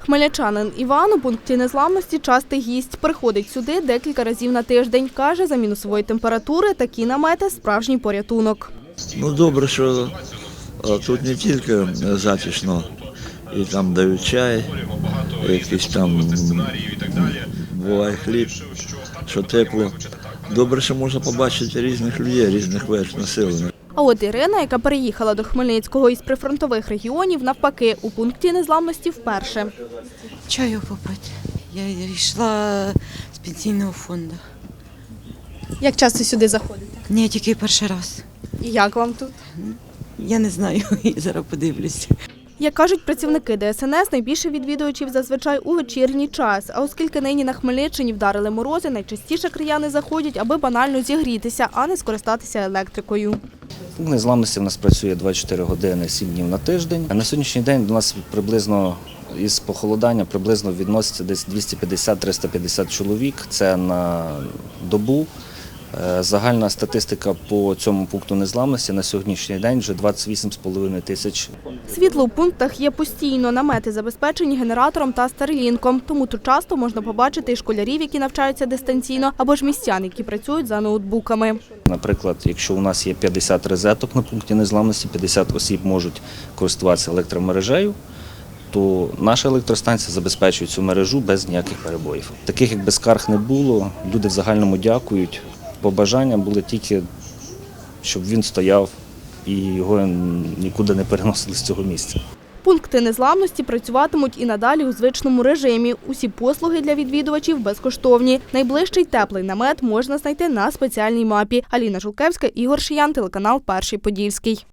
Хмельничанин Іван у пункті незламності частий гість. Приходить сюди декілька разів на тиждень. Каже, за мінусової температури такі намети – справжній порятунок. Добре, що тут не тільки затишно, і там дають чай, якийсь там буває хліб, що тепло. Добре, що можна побачити різних людей, різних верств населення. А от Ірина, яка переїхала до Хмельницького із прифронтових регіонів, навпаки, у пункті незламності вперше. Чаю попити. Я йшла з пенсійного фонду. Як часто сюди заходите? Ні, тільки перший раз. І як вам тут? Я не знаю, зараз подивлюся. Як кажуть працівники ДСНС, найбільше відвідувачів зазвичай у вечірній час. А оскільки нині на Хмельниччині вдарили морози, найчастіше краяни заходять, аби банально зігрітися, а не скористатися електрикою. Пункт незламності в нас працює 24 години, 7 днів на тиждень. На сьогоднішній день до нас приблизно із похолодання відноситься десь 250-350 чоловік. Це на добу. Загальна статистика по цьому пункту незламності на сьогоднішній день вже 28,5 тисяч. Світло у пунктах є постійно, намети забезпечені генератором та старлінком. Тому тут часто можна побачити і школярів, які навчаються дистанційно, або ж містян, які працюють за ноутбуками. Наприклад, якщо у нас є 50 розеток на пункті незламності, 50 осіб можуть користуватися електромережею, то наша електростанція забезпечує цю мережу без ніяких перебоїв. Таких якби скарг не було, люди в загальному дякують. Побажання були тільки, щоб він стояв і його нікуди не переносили з цього місця. Пункти незламності працюватимуть і надалі у звичному режимі. Усі послуги для відвідувачів безкоштовні. Найближчий теплий намет можна знайти на спеціальній мапі. Аліна Жулкевська, Ігор Шиян, телеканал «Перший Подільський».